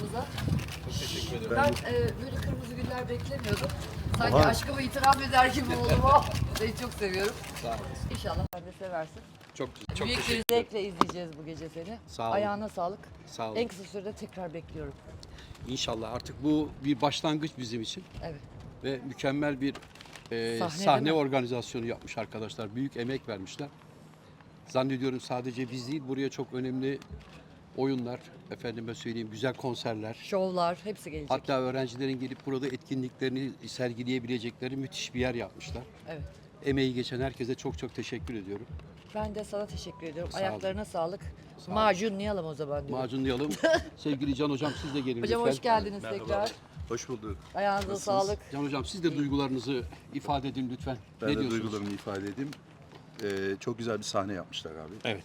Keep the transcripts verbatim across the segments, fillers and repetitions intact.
aramıza. Çok teşekkür ederim. Ben e, böyle kırmızı güller beklemiyordum. Sanki Aha. aşkımı itiraf eder gibi oldum. Oh, seni çok seviyorum. Sağ olasın. İnşallah sen de seversin. Çok, çok Büyük bir teşekkür ederim. zevkle izleyeceğiz bu gece seni. Sağ olun. Ayağına sağlık. Sağ olun. En kısa sürede tekrar bekliyorum. İnşallah artık bu bir başlangıç bizim için Evet. ve mükemmel bir e, Sahne sahne, değil mi? organizasyonu yapmış arkadaşlar. Büyük emek vermişler. Zannediyorum sadece biz değil, buraya çok önemli oyunlar, efendime söyleyeyim güzel konserler. Şovlar hepsi gelecek. Hatta öğrencilerin gelip burada etkinliklerini sergileyebilecekleri müthiş bir yer yapmışlar. Evet. Emeği geçen herkese çok çok teşekkür ediyorum. Ben de sana teşekkür ediyorum. Sağ olun. Ayaklarına sağlık. Sağ olun. Macunlayalım o zaman diyorum. Macunlayalım. Sevgili Can Hocam siz de gelin Hocam lütfen. hoş geldiniz tekrar. Hoş bulduk. Ayağınıza Nasılsınız? sağlık. Can Hocam siz de duygularınızı ifade edin lütfen. Ben ne de diyorsunuz? duygularımı ifade edeyim. Ee, çok güzel bir sahne yapmışlar abi. Evet.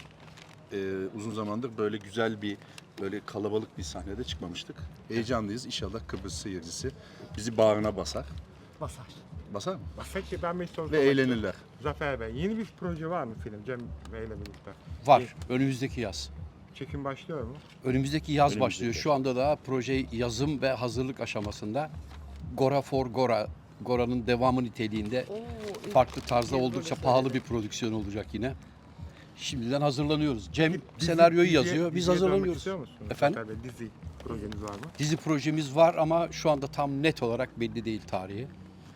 Ee, uzun zamandır böyle güzel bir, böyle kalabalık bir sahnede çıkmamıştık. Heyecanlıyız. İnşallah Kıbrıs seyircisi bizi bağrına basar. Basar. Basar mı? Peki ben bir soru Ve sormak eğlenirler. istiyorum. Zafer Bey, yeni bir proje var mı film Cem Bey ile birlikte? Var. Önümüzdeki yaz. Çekim başlıyor mu? Önümüzdeki yaz Önümüzdeki başlıyor. yaz. Şu anda da proje yazım ve hazırlık aşamasında. Gora for Gora. Gora'nın devamı niteliğinde Oo, farklı tarzda iyi oldukça proje pahalı söyledi. bir prodüksiyon olacak yine. Şimdiden hazırlanıyoruz. Cem Dizi- senaryoyu diziye- yazıyor. Biz diziye dönmek hazırlanıyoruz. istiyor musunuz? Efendim? Zafer Bey, dizi projeniz var mı? Dizi projemiz var ama şu anda tam net olarak belli değil tarihi.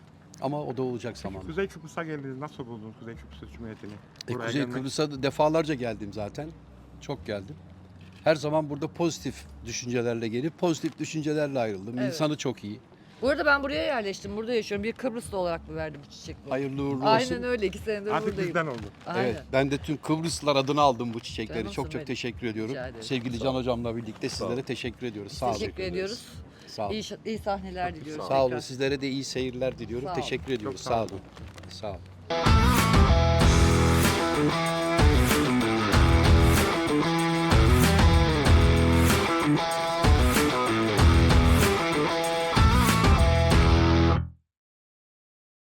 Ama o da olacak zamanla. Kuzey Kıbrıs'a geldiniz. Nasıl buldunuz Kuzey Kıbrıs Cumhuriyeti'ni? E, Buraya Kuzey gelmek- Kıbrıs'a da defalarca geldim zaten. Çok geldim. Her zaman burada pozitif düşüncelerle gelip pozitif düşüncelerle ayrıldım. Evet. İnsanı çok iyi. Bu arada ben buraya yerleştim. Burada yaşıyorum. Bir Kıbrıslı olarak mı verdim bu çiçek bu? Hayırlı uğurlu olsun. Aynen öyle. İki senedir Artık buradayım. bizden oldu. Aynen. Evet, ben de tüm Kıbrıslılar adına aldım bu çiçekleri. Canımsın çok çok benim. teşekkür ediyorum. Rica ederim. Sevgili Can Hocam'la birlikte sizlere olun. teşekkür ediyoruz. Sağ olun. Teşekkür ediyoruz. Sağ olun. İyi, şa- iyi sahneler diliyoruz. Sağ olun. tekrar. Sizlere de iyi seyirler diliyorum. Sağ olun. Teşekkür ediyoruz. sağ Sağ olun. olun. Sağ olun.